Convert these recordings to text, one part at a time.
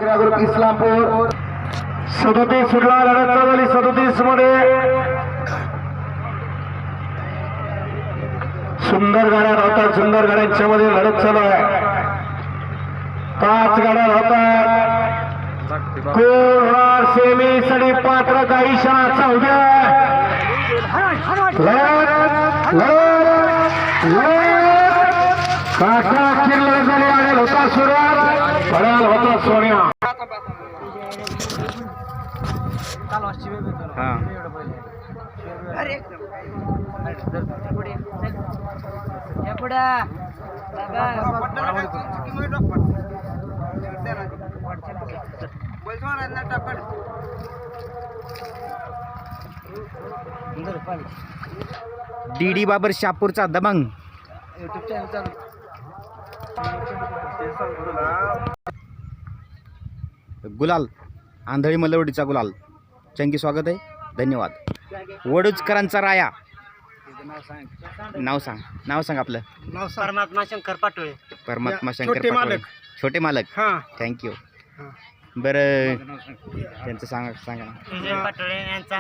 group Islampur 37 सुटला लढत चालली 37 मध्ये सुंदर गाड्या होतात सुंदर गाड्यांच्या मध्ये लढत चालू आहे 5 गाड्या होतात कोण सेमी साठी पात्र काही क्षणाचा उद्या काका किल्ला झाले आणि होता सुरुवात पडाल होता सोन्या डीडी बाबर शापूरचा दबंग गुलाल आंधळी मलवडीचा गुलाल चंगी स्वागत आहे धन्यवाद वडूजकरांचा राया नाव सांग आपलं परमात्मा शंकर पाटोळे परमात्मा शंकर पाटोळे छोटे मालक थँक्यू बरं त्यांचं सांगा विजय पाटोळे यांचा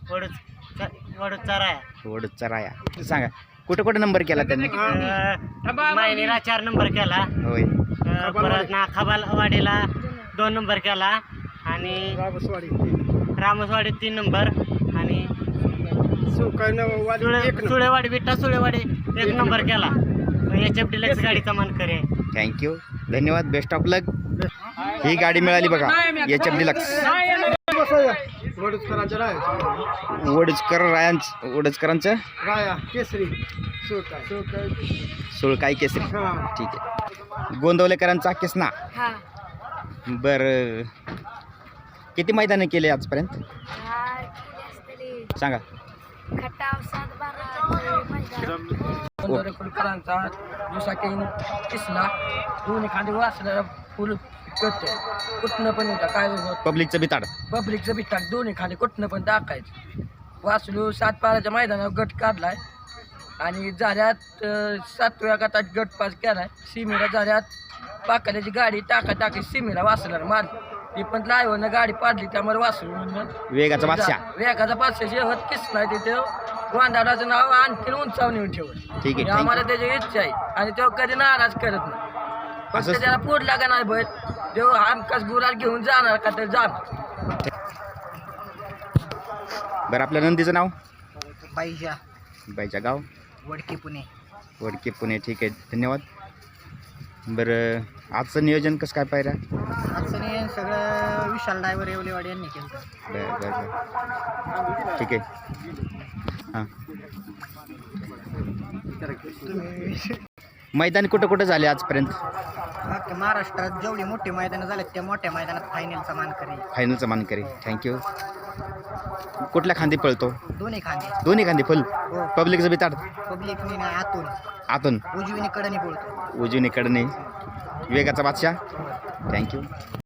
वडूजचा राया सांगा कुठे नंबर केला त्यांनी मायनीला 4 नंबर केला होय परत ना खबालवाडीला 2 नंबर केला आणि रामसवाडी 3 नंबर आणि सुळेवाडी विठ्ठा सुळेवाडी 1 नंबर केला HF डिलक्स गाडीचा मानकरी आहे थँक्यू धन्यवाद बेस्ट ऑफ लक ही गाडी मिळाली बघा HF डिलक्स वडूजकरांचं राया केसरी सुळकाई केसरी ठीक आहे गोंदवलेकरांचा किसना बरं किती मैदानं केले आजपर्यंत सांगा गोंदवलेकरांचा किसना दोन्ही खाली वाचला फुल करतो कुठनं पण येतं काय पब्लिकचं बिताड पब्लिकचं बिटाक दोन्ही खाली कुठनं पण टाकायचं वासलू 7 पाराच्या मैदानावर गट काढलाय आणि झाल्यात 7व्या गटात गट पास केलाय सीमेला झाल्यात पाकाल्याची गाडी टाकी सीमेला वासला मारली ती पण लाईव्हनं गाडी पाडली त्यामुळे वासलू वेगाचा बादशाह शेवट किसना तिथे गोंधळाचं नाव आणखी उंचावून येऊन ठेवत ठीक आहे आम्हाला त्याची इच्छा आहे आणि तो कधी नाराज करत नाही फक्त त्याला पोडला का नाही बघ देव हमखास गुलाल घेऊन जाणार का तर जाणार बरं आपल्या नंदीचं नाव बाईच्या गाव वडकी पुणे ठीक आहे धन्यवाद बरं आजचं नियोजन कसं काय पाहिजे पुणे सगळं विशाल ड्रायव्हर येवलेवाडी यांनी केलं बरं ठीक आहे हां मैदान कुठं झाले आजपर्यंत महाराष्ट्रात जेवढी मोठी मैदानं झालेत त्या मोठ्या मैदानात फायनलचा मानकरी थँक्यू कुठल्या खांदी पळतो दोन्ही खांदी फुल पब्लिकचं बिताड पब्लिक आतून उजवीने कडनी बोलतो उजवीने कडने वेगाचा बादशाह थँक्यू